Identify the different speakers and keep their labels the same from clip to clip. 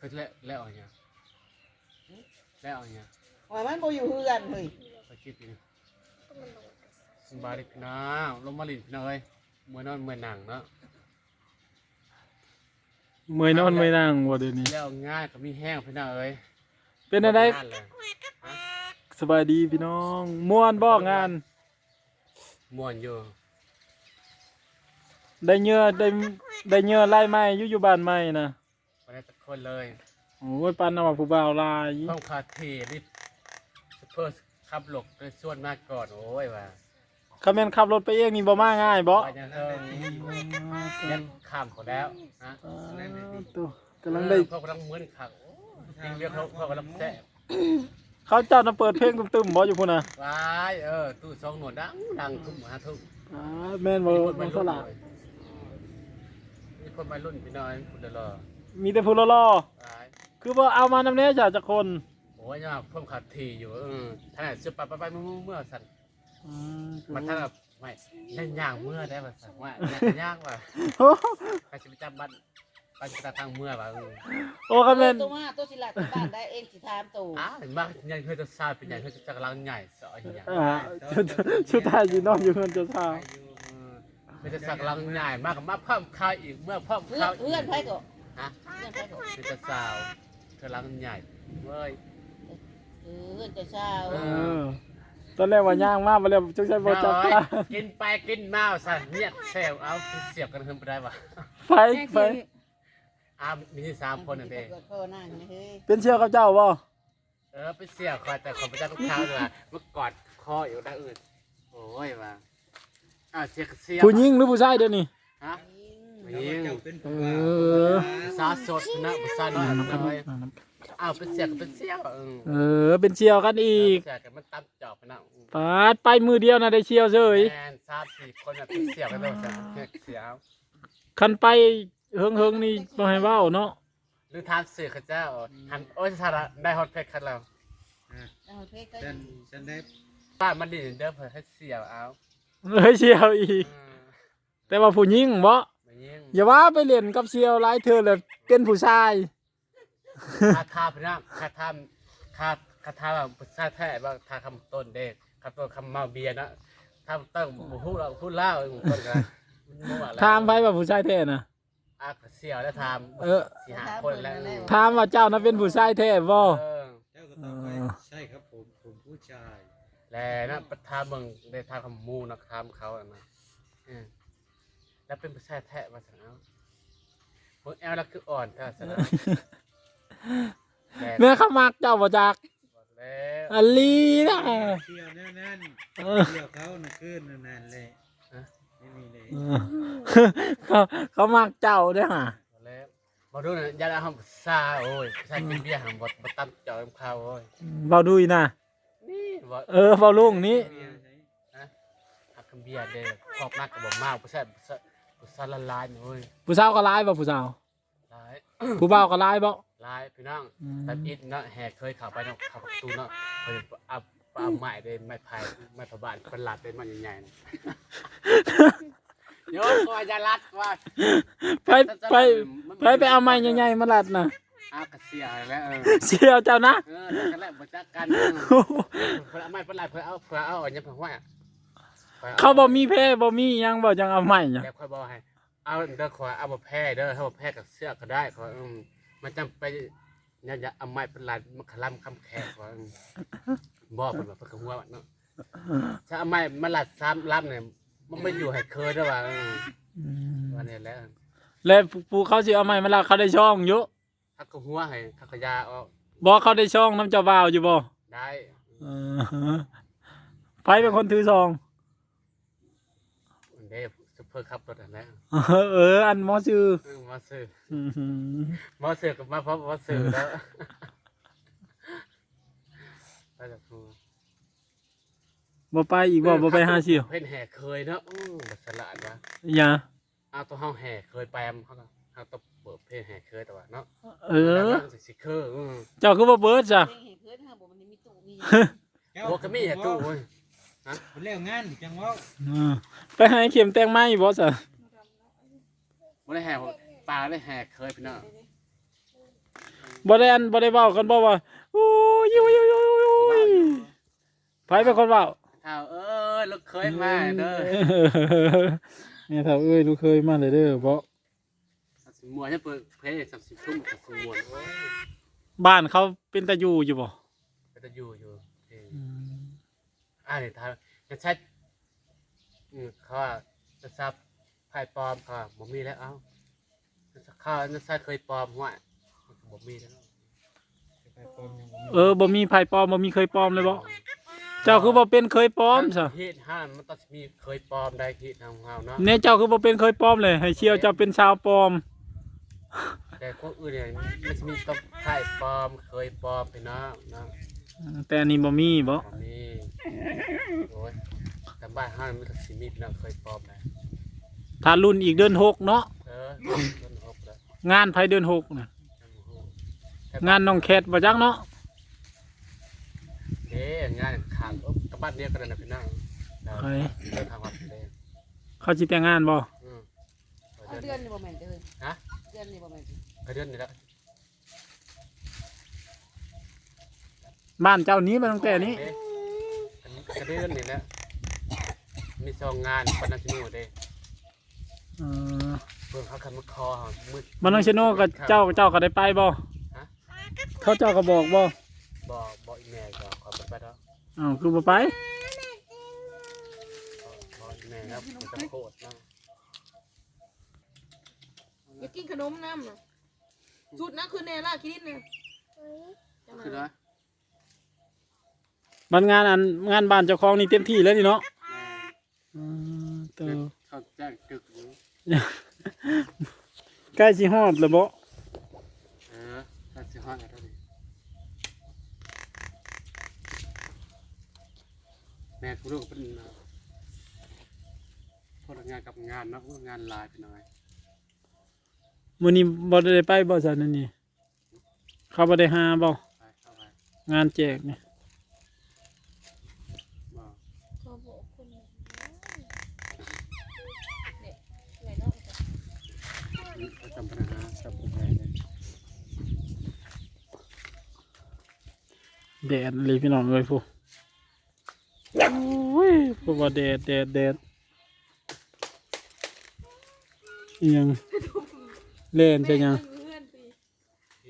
Speaker 1: คือแล้วเอาเนี่ยแล้วเอาเนี่ย
Speaker 2: ว่ามันบ่อยู่เฮือนเฮ้ย
Speaker 1: ไปคิดดิสบายดีพี่น้องลงมาลินพี่น้องเอ้ยเมื่อนอนเมื่อหนังเนาะ
Speaker 3: เมื่อยนอนเมื่อยนั่งบ่เดี๋ยวนี้
Speaker 1: แล้วง่ายก็มีแห้งพี่น้องเอ้ย
Speaker 3: เป็นอะไร
Speaker 1: งานเลยฮะ
Speaker 3: สบายดีพี่น้องม่วนบ่งาน
Speaker 1: ม่วนอยู่
Speaker 3: ได้เนื้อได้เนื้อไล่ไม้อยู่บ้านใหม่นะ
Speaker 1: วันนี้ทุกคนเลย
Speaker 3: โอ้ยปันเอาว่าผู้บ่าวลาย
Speaker 1: เพิ่มคาเทนี่ซุปเปอร์ขับหลกด้วยส่วนมากก่อนโอ้ยว่า
Speaker 3: คาแม่นขับรถไปเองนี่บ่มาง่ายบ่
Speaker 1: ไปยังเอิงยันข้ามเขาแล้วนะ
Speaker 3: ตัวกำลังได้
Speaker 1: เขากำลังมึนขักจริงเรียกเขากำลังแซ่บ
Speaker 3: เขาเจ้าน่ะเปิดเพลงตึมๆบ่อยู่พุ่นน่ะ
Speaker 1: ว้ายตู้สองหนวดดังทุ่มหาทุ่ม
Speaker 3: แม่นบ่
Speaker 1: มีคน
Speaker 3: มั
Speaker 1: มาน
Speaker 3: ส
Speaker 1: รุ่น
Speaker 3: ลาด
Speaker 1: มีคนมารุ่นพี่น้อยคุณเดลอ
Speaker 3: มีแต่ผู้ล่อ
Speaker 1: ว้าย
Speaker 3: ๆคือบ่เอามานำแน่จ้ะจักคน
Speaker 1: โอ้ยเนี่ยเพิ่มขาดทีอยู่ท่านจะไปเมื่อสั่น
Speaker 3: อืม
Speaker 1: มันท่านแบบไม่เล่นย่างเมื่อได้ป่ะสั่นว่าย่างว่ะใครจะไปจำบ้านไปจะทางเมื่อป่ะ
Speaker 3: โอ้คาแม่น
Speaker 2: ตัวมาตัวสิลัดที่บ้านได้เองสิถามตัว
Speaker 1: เห็นบ้างยังเคยจะซาเป็นใหญ่เคยจะจักรลังใหญ่สอยอย่าง
Speaker 3: ชุดไทยสินอนอยู่เพิ่นจะทรา
Speaker 1: ไม่จะสักลังใหญ่มากกับมาเพิ่มข้าวอีกเมื่อเพิ่ม
Speaker 2: เพื่อ
Speaker 1: ข้าน ว
Speaker 2: เพื่อนไผก็
Speaker 1: ฮะ
Speaker 2: เพื่อนไผก็
Speaker 1: ไม่จะสาวเธอลังใหญ่เว้ย
Speaker 2: เพื่อนจะเช้า
Speaker 3: เออตอนแรกว่าย่างมากมาแล้วจังใช้บ่จับตา
Speaker 1: กินไปกินมาสั่นเนี่ยแซวเอาเสียบกันเพิ่มไปได้ป่ะ
Speaker 3: ไฟ
Speaker 1: มีที่3 คนนั่นเอง
Speaker 2: เกิดข้อนั่งนี่เฮ้ย
Speaker 3: เป็นเชี่ยวกับเจ้าบ่
Speaker 1: ไปเสียบคอยแต่ของพระเจ้าทุกเช้าเลยเมื่อกอดคออยู่ด้านอื่นโอ้ยว่ะเสียบ
Speaker 3: ผู้หญิงหรือผู้ชายเดี๋ยวนี้
Speaker 1: ฮะ
Speaker 2: ยิง
Speaker 1: ยิง
Speaker 3: เออ
Speaker 1: สาสดนะบุษาน้อยน้อยเป็นเสียบเป็นเสียบ
Speaker 3: เป็นเชี่ยวกันอีก
Speaker 1: เสียบกันมันตั้มจอบไปนะ
Speaker 3: ปาดไปมือเดียวนะได้เชี่ยวเฉย
Speaker 1: แมน3-4 คนเป็นเสียบกันเลยเสียบ
Speaker 3: คันไปเฮิงๆนี่บ่ให้เว้าเนาะ
Speaker 1: หรือทานเสือข้าเจ้าหันโอ้ยสาระได้ฮอตเพชรคันเรา
Speaker 2: เอาเพชรก็
Speaker 4: ฉันได้
Speaker 1: ป้ามันดีเด้อเพื่อให้เสียบเอา
Speaker 3: เลยเชี่ยวอีก แต่ว่าผู้หญิงบ่
Speaker 1: ไม่ยิ่ง
Speaker 3: อย่าว่าไปเล่นกับเชี่ยวหลายเธอเลยเป็นผู้ชาย
Speaker 1: คาทาพี่น้ำคาทาคาทาแบบซาแท้ว่าทาคำต้นเด็กคำต้นคำเมาเบียร์นะทำตั้งพูดเล่าต้นกันมั่วแล้ว
Speaker 3: ถามไปว่าผู้ชายแท้น่ะ
Speaker 1: เสียวแล้วท
Speaker 3: เออ
Speaker 1: ำ4-5 คนแล้ว
Speaker 3: ถามว่าเจ้าน่ะเป็นผู้ชายแท้บ่
Speaker 4: เจ้าก็ตอบไปใช่ครับผมผู้ชาย
Speaker 1: แล้วนะประทาเมืองได้ทาคำมูนะทำเขาอะนะแล้วเป็นผู้ชายแท้มาสั่งเอาเมืองแอลแล้วคืออ่อนก็สั่งเอา
Speaker 3: แม่เขามักเจ้าบ่จัก
Speaker 1: บอกแล้ว
Speaker 3: อันลีนะ
Speaker 4: เที่ยวแน่นๆเที่ยวเขาน่ะขึ้นนานๆเลยไม่มีเลย
Speaker 3: เขามักเจ้าเด้อห่า
Speaker 1: บอกแล้วบอกดูนะอย่าเอาซาโอ้ยผู้ชายกินเบียร์หางบดตั้มเจาะเขาโอ้ย
Speaker 3: เว้าดุยนะ
Speaker 1: นี่บอก
Speaker 3: เว้าลุงนี้
Speaker 1: หักเบียร์เด้อครอบนักกับบ่มากผู้ชายละลายโอ้ย
Speaker 3: ผู้สาวก็ร้ายบ่ผู้สาว
Speaker 1: ลาย
Speaker 3: ผู้บ่าวก็ร้ายบ่
Speaker 1: ลายพี่น้องแต่อิดเนาะแหกเคยเข้าไปเนาะเข้าประตูเนาะเคยเอาไม้เด้ไม้พายไม้พะบานเป็นหลัดเด้มันใหญ่ๆ โยมก็จะรัดว่า
Speaker 3: ไปเอาไม้ใหญ่ๆมาลัดน่ะ
Speaker 1: กระเสียแล้ว
Speaker 3: เชี่ยวเจ้านะ
Speaker 1: กันแล้วบ่จักกันเพิ่นเอาไม้เพิ่นไล่เพิ่นเอาอันนี้เพิ่นว่า
Speaker 3: เขาบ่มีแพ้บ่มีหยังบ่จังเอาไม้หยัง
Speaker 1: แล้วค่อยบอกให้เอาเด้อขอเอาบ่แพ้เด้อถ้าบ่แพ้กับเสื้อก็ได้ขอมันจำไปอย่าเอาไม้เพิ่นไล่มันคลำคำแขกขอบ่เพิ่นว่าเพิ่นก็หัวเนาะถ้าเอาไม้มาลัด3ลำเนี่ยมันไม่อยู่ให้เคยเด้อว่าว่านี่แหละ
Speaker 3: แล้วผู้เขาสิเอาไม้มาลัดเขาได้ช่องอยู่
Speaker 1: ถ้าก็หัวให้ถ้าก็ยาออก
Speaker 3: บ่เขาได้ช่องน้ำเจ้าบ่าวอยู่บ่
Speaker 1: ได้
Speaker 3: ไผเป็นคนถือซอง
Speaker 1: เด้ซุปเปอร์คัพรถอันแล้ว
Speaker 3: อันหมอชื่อ
Speaker 1: มาซื้อ
Speaker 3: อื้อหือ
Speaker 1: มาซื้อกับมาเพราะมาซื้อแล้วไปจากครู
Speaker 3: บ่ไปอีกบ่ไปหาเสี่ยว
Speaker 1: เพิ่นแห่เคยเนาะบัสละวะ
Speaker 3: อย่า
Speaker 1: เอาตัวเฮาแห่เคยไปเขาก็เฮาต้องเปิดเพลงแห่เคยแต่ว่าเนาะ สิเคอ
Speaker 3: เจ้าคือบ่เบิดจ้ะ
Speaker 2: เองเห็นเพื่อนฮะบ่มันมีตู้มี
Speaker 1: โอ้ก็มีตู้เว้ย
Speaker 4: มันเลี้ยวงานจังว่า
Speaker 3: ไปหาเข็มแต่งไม้บ่จ้ะ
Speaker 1: บ่ได้แห่ปลาได้แห่เคยพี่น้อง
Speaker 3: บ่ได้เว้ากันบ่ว่าโอ้ยโอ้ยโอ้ยโอ้ยโอ้ยไผเป็นคนเว้า
Speaker 1: เท่าลูกเคยมาเด้อ
Speaker 3: เนี่ยถ้าเอ้ยลูกเคยมาเลยเด้อเพราะ
Speaker 1: สัตว์สิมวนจะเปิดเพลงสัตว์สิทุ่มสัตว์สิมวนโอ้ย
Speaker 3: บ้านเขาเป็นตาอยู่อยู่บ่
Speaker 1: ก็จะอยู่เพลงเนี่ยทางจะใช้เขาว่าจะซับไพ่ปลอมเขาบ่มีแล้วเอ้าเขาจะใช้เคยปลอมว่าบ่มีแล้ว
Speaker 4: ไปปลอมยังบ่มี
Speaker 3: บ่มีไผปลอมบ่มีเคยปลอมเลยบ่เจ้าคือบ่เป็นเคยปลอมซะ
Speaker 1: ฮีดห้านมันต้องมีเคยปลอมได้ฮีดทางเฮาเนาะ
Speaker 3: เนี่ยเจ้าคือบ่เป็นเคยปลอมเลยให้เชียวเจ้าเป็นชาวปลอม
Speaker 1: แต่พวกอื่นเนี่ยมันจะมีต้องไพ่ปลอมเคยปลอมไปเนาะเนาะ
Speaker 3: แต่อันนี้บ่มีบ่
Speaker 1: บ่มีโอ้ยแต่บ้านห้านมันก็สิมีเนาะเคยปลอมได้
Speaker 3: ถ้ารุ่นอีกเดือน6เนาะ
Speaker 1: ต้นหกแล้ว
Speaker 3: งานไผเดือน6น่ะงานน้องแคทบ่จักเนาะ
Speaker 1: งานขาดกับบ้านเดียวกันนะพี่น้อง
Speaker 3: ใคร
Speaker 1: เดินทางวัดเลย
Speaker 3: เขาสิแต่งงานบ่
Speaker 2: เอาเดือนนี่บ่แม่นเด้อ
Speaker 1: ฮะ
Speaker 2: เดือนนี่บ่แม่น
Speaker 1: กระเดือนนี่แล้ว
Speaker 3: บ้านเจ้านี้มาตั้งแต่นี้
Speaker 1: กระเดือนนี่แหละมีซองงานปนัญชนูเด้
Speaker 3: เออ
Speaker 1: เพิ่งเขาขันมาคอมืด
Speaker 3: มันน้องชโนกับเจ้าก็ได้ไปบ่เขาเจ้าก็บอกบ่
Speaker 1: บ่อีแม่ก็ขอไปแล้ว
Speaker 3: อ้าวคือบ่ไป
Speaker 1: บ่อีแม่ครับมันจะโคตรเนาะ
Speaker 2: อยากกินขนมน้ำน่ะชุดนั้นคือแน่ล่ะกินน่ะ
Speaker 1: คือว่า
Speaker 3: มันงานบ้านเจ้าของนี่เต็มที่แล้วนี่เนาะเตอ
Speaker 1: เขาแจ้งตึกอยู่
Speaker 3: ใกล้สิฮอดแล้วบ่
Speaker 1: ถ้าสิฮอดแล้วนี่แม่คุณลูกเป็นพนักงานกับงานเนาะงานลายไปหน่อย
Speaker 3: มื้อนี้บ่ได้ไปบ่ซั่นนั่นนี่เขาบ่ได้หาบ่
Speaker 1: ไปเข้าไป
Speaker 3: งานแจกนี่
Speaker 1: บ่
Speaker 2: ขอบอกคนเนี่ยเหนื่อยเนาะ
Speaker 1: เขาจำปัญหาสับผมแม่เลย
Speaker 3: แดดเลยพี่น้องเอ้ยผู้โอ้ยผู้ว่าแดดอีหยังเล่นใช่ยัง
Speaker 2: เพื่อนสิ
Speaker 1: ที่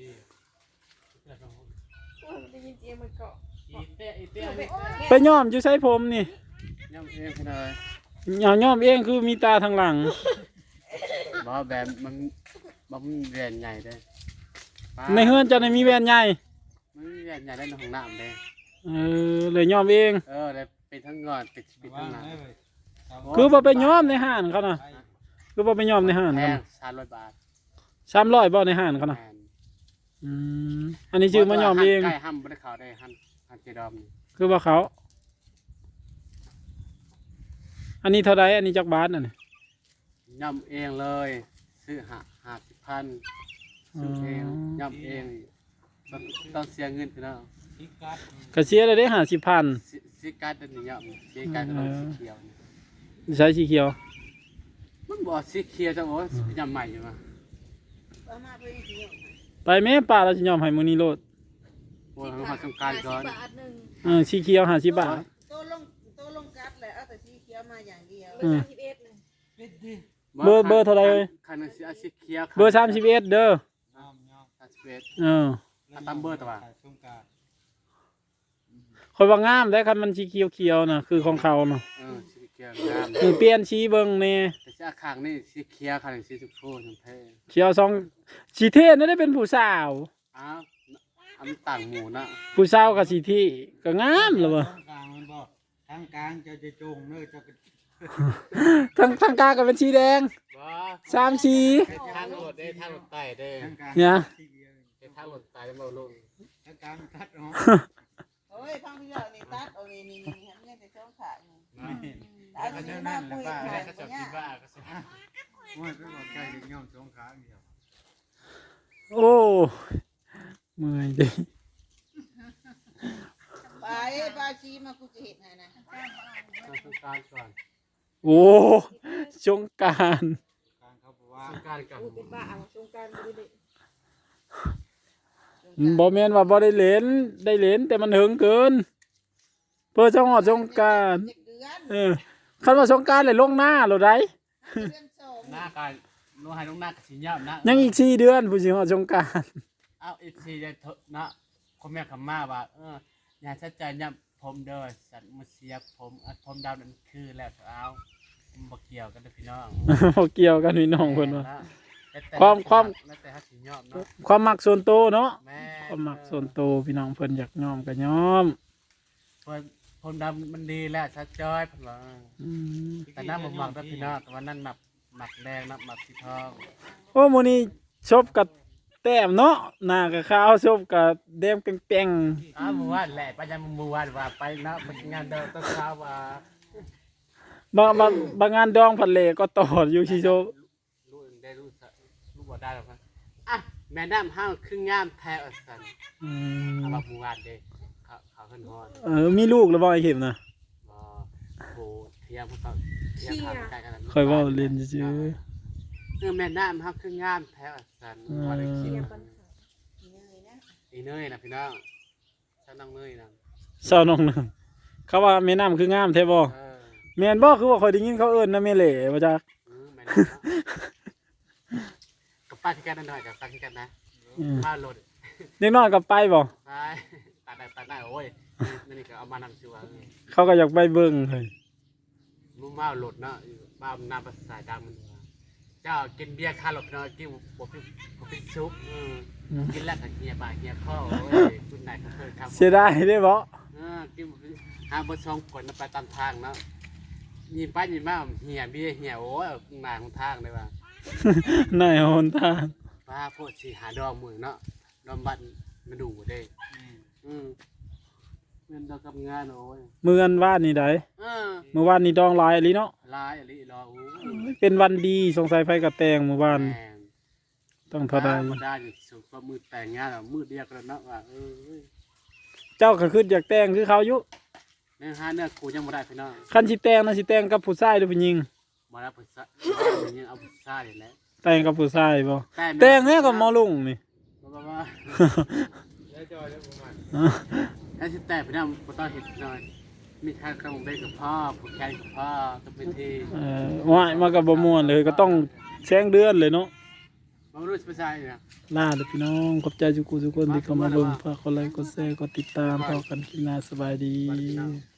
Speaker 2: โอ้ยมันได้ยินเสียงมันเกาะ
Speaker 1: อีเต้อีเต้นี่
Speaker 3: ไปย้อมอยู่ใส่ผมนี่
Speaker 1: ย่ำเองพี่น้อย
Speaker 3: ย้อมเองคือมีตาทางหลัง
Speaker 1: บ่แบบมันมีแหวนใหญ่เด้
Speaker 3: ในเฮือนเจะได้มีแว่นใหญ่
Speaker 1: มันมีแหวนใหญ่ได้ในห้องน้ำเด้
Speaker 3: เลยย้อมเอง
Speaker 1: ได้เป็นทั้งงอนเป็นปิดทั้งหน้า
Speaker 3: คือบ่ไปย้อมในห้านเขาน่ะคือบ่ไปย้อมในห้าน
Speaker 1: แพ
Speaker 3: เขา
Speaker 1: ง
Speaker 3: น่ะ
Speaker 1: 300 บาท
Speaker 3: 300บ่ในห้านเขาน่ะ
Speaker 1: แพง
Speaker 3: อันนี้ชื่อมาย้อมเอง
Speaker 1: ใกล้ห้ำบ่ได้เข้าได้หันเจดอมนี่
Speaker 3: คือว่าเขา อันนี้เท่าไรอันนี้จักบาทน่ะนี่
Speaker 1: ย่ำเองเลยซื้อ50,000ซื้อเองย่ำเองต้องเสียเงินพี่น้อง
Speaker 4: ที่กัด
Speaker 3: ก็เสียได้50,000
Speaker 1: สีการ์ดนี่ย่ำสีการ์ดต้องสีเขียวนี่
Speaker 3: ใช้สีเขียว
Speaker 1: มันบอกสีเขียวจังโอ้ย่ำใหม่อยู่มา
Speaker 2: เอามาเพื่อนสิเอา
Speaker 3: ไปแม่ป้าเราสิย้อมให้มื้อนี้โลด
Speaker 1: โอ้ยเขาสงการก่อน
Speaker 2: 50 บาทหนึง
Speaker 3: สีเขียว50 บาท
Speaker 2: โตลงกัดแหละเอาแต่สีเขียวมาอย่างเดียว
Speaker 3: อืม
Speaker 2: 31เลย
Speaker 4: ปิดดิ
Speaker 3: เบอร์เท่าไหร่เอ่ย
Speaker 1: คันนึงสีเขียว
Speaker 3: เบอร์31เด้อ
Speaker 4: น้อม
Speaker 1: 31
Speaker 3: เออ
Speaker 1: ตามเบอร์ตัวว่ะ
Speaker 4: สงกรานต์
Speaker 3: ค่อยว่างามได้คันมันสีเขียวๆน่ะคือของเขาเนาะ
Speaker 1: สีเขียวงาม
Speaker 3: คือเปลี่ยนสีเบิ่งแน่
Speaker 1: แต่สีข้างนี่สีเขียวคันนึงสีชมพูชมพู
Speaker 3: เขียวสองสีเทศนั่นได้เป็นผู้สาว
Speaker 1: อ้าวอันต่างหมู่นะ
Speaker 3: ผู้สาวกับสีที่ก็งามแล้วบ่
Speaker 4: ทางกลางมันบอกทางกลางจะจงเนื้อจะ
Speaker 3: ทั้งกลางก็เป็นสีแดง
Speaker 1: บ่
Speaker 3: 3สี
Speaker 1: ทางรถได้ทางรถไต่ได้
Speaker 4: ทางกลาง
Speaker 3: เนี่ย
Speaker 1: ทางรถไต่ได้มาลง
Speaker 4: ทางกลางตัดเนาะ
Speaker 2: โอ้ยพังพี่ยอดนี่ตัดเอานี่ทำยังแต่ช่องขาอยู่
Speaker 1: นะ
Speaker 2: เอาสีมาคุยกัน
Speaker 1: ได้
Speaker 2: บ่
Speaker 1: ก็จะ
Speaker 2: ยา
Speaker 1: คิด
Speaker 2: ก
Speaker 1: ว่าก็สิ
Speaker 4: ว่าก็บอกใจจะย่อมสงขาเดียว
Speaker 3: โอ้เมื่อยดิ
Speaker 2: ไปปาชีมากูจะเห็นให้นะ
Speaker 1: สงการก่อน
Speaker 3: โอ้สงกราร
Speaker 4: กลางเขาบอกว่า
Speaker 1: สงการกัน
Speaker 2: กูเป็นบ้าเอาสงกรารบ่ได้
Speaker 3: บ่แม่นว่าบ่ได้เล่นได้เล่นแต่มันเหิงเกินเพื่อจะฮอดสงกรานต์
Speaker 2: เจ็ดเดือน
Speaker 3: คันว่าสงกรานต์เลยลงหน้าโลดได้
Speaker 2: เดือนสอง
Speaker 1: หน้าการลงให้ลงหน้ากับสิยอบนะ
Speaker 3: ยังอีก4เดือนผู้สิฮอดสงกรานต์
Speaker 1: เอาอีกทีได้เนาะพ่อแม่คำมาว่าอย่าชัดใจย่ำผมเด้อสัตว์มาเสียผมดำนั่นคือแล้วเอาบ่เกี่ยวกันเด้อพี่น้อง
Speaker 3: บ่เกี่ยวกันพี่น้องเพิ่นว่า
Speaker 1: แล้วแต่
Speaker 3: ความ
Speaker 1: แล้วแต่ฮักสิยอบเนาะ
Speaker 3: ความมักส่วนตัวเนาะ
Speaker 1: แม่
Speaker 3: ความมักส่วนตัวพี่น้องเพิ่นอยากยอมก็ยอม
Speaker 1: ผมดำมันดีแล้วชัดจ้อยเพิ่นว่า
Speaker 3: อืม
Speaker 1: แต่น้ำบ่มักเด้อพี่น้องแต่ว่านั่นหมักแดงนะหมักสีทอง
Speaker 3: โอ้มื้อนี้ชบกับแต้มเนาะหน้าก็ขาวชบกับแดงแป้ง
Speaker 1: เมื่อวานแหละไปยังเมื่อวานว่าไปนะไปงานเดินต้นเช้าว่า
Speaker 3: ๆบางงานดองผัดเหลก็ต่ออยู่สิโชบ
Speaker 1: รู้ได้รู้บ่ได้หรอกนะอ่ะแม่น้ำห้างครึ่งงามแท้อัสัน
Speaker 3: อื
Speaker 1: เอา
Speaker 3: ม
Speaker 1: ว่าเมื่อวานเด้เขาขึ้นฮอด
Speaker 3: มีลูกแล้วบ่ไอ้เข็มนะ
Speaker 1: บ่โหเทียมเขาเทียมทางใกล้กัน
Speaker 3: ค่อยเว้าเล่นซื่อ
Speaker 1: แม่น้ำห้างครึ่งงามแท้อัสันว่าได้คิด
Speaker 2: เนยนะ
Speaker 1: อีเนยนะพี่น้องฉันน้องเนยนะ
Speaker 3: ๆเศร้าน้องหนึงเขาว่าแม่น้ำคืองามแท้บ่แม่นบ่คือว่าค่อยได้ยินเขาเอิ้นนะแม่เหล่ว่าจัก
Speaker 1: แม่น้ำกับป้าที่กันหน่อยกับป้าที่กันนะป้าโหลด
Speaker 3: เด็กน้อยก็ไปบ่
Speaker 1: ไปตาได้โอ้ยนี่ก็เอามานำชัว
Speaker 3: เขาก็อยากไปเบิ่งเฮ้ย
Speaker 1: มุ่งมาโหลดเนาะบ้านน้ำภาษาดังมันเจ้ากินเบียร์คาหลบเนาะกินบ่เป็นซุปกินแล้วก็เหี่ยปากเหี่ยคอโอ้ยคุณนายก็เคยทำ
Speaker 3: เสียดายได้บ่
Speaker 1: กินหาบ่ช่องผลไปตามทางเนาะยิงไปยิงมาเหี่ยเบียร์เหี่ยโอ้ยนายของทางเลยว่า
Speaker 3: นายหนทาง
Speaker 1: ว่าพวกสิหาดอกมือเนาะดอมบันมาดูเด้เงินดอกกับงานโอ้ย
Speaker 3: มื้ออันว่านนี่ได้มื้อวานนี่ดองหลายอีหลีเนาะ
Speaker 1: ลายอะไรรอโอ้ย
Speaker 3: เป็นวันดีสงสัยไผก็แต่งมื้อวาน
Speaker 1: แม่น
Speaker 3: ต้องเท่าใด
Speaker 1: มาได้อยู่สุดก็มือแต่งงานมือเดียวกันเนาะว่า
Speaker 3: เจ้าก็คืออยากแต่งคือเขาอยู่
Speaker 1: เนื้อหาเนื้อกูยังบ่ได้พี่น้อง
Speaker 3: คันสิแต่งนะสิแต่งกับผู้ชายหรือผู้หญิง
Speaker 1: บ่ได้ภาษายังเอาภาษานี่แหละ
Speaker 3: แต่งกับผู้ชายบ่แต่งแน่กับหมอลุงนี่
Speaker 1: บ่ว่าได้จอยได้ประมาณแล้วสิแต่พี่น้องบ่ต้องเฮ็ดหน่อยมีทางคำได้กับพ่อผู้แข่งกับพ่อต้องเป็นที่
Speaker 3: ว่ายมากับบ่ม่วนเลยก็ต้องแซงเดือนเลยเนาะ
Speaker 1: บ่รู้สิภาษาเนี่ย
Speaker 3: ลาเด้อพี่น้องขอบใจทุกคนที่เข้ามาเบิ่งฝากกดไลค์กดแชร์กดติดตามพอกันคลิปหน้าสบายดี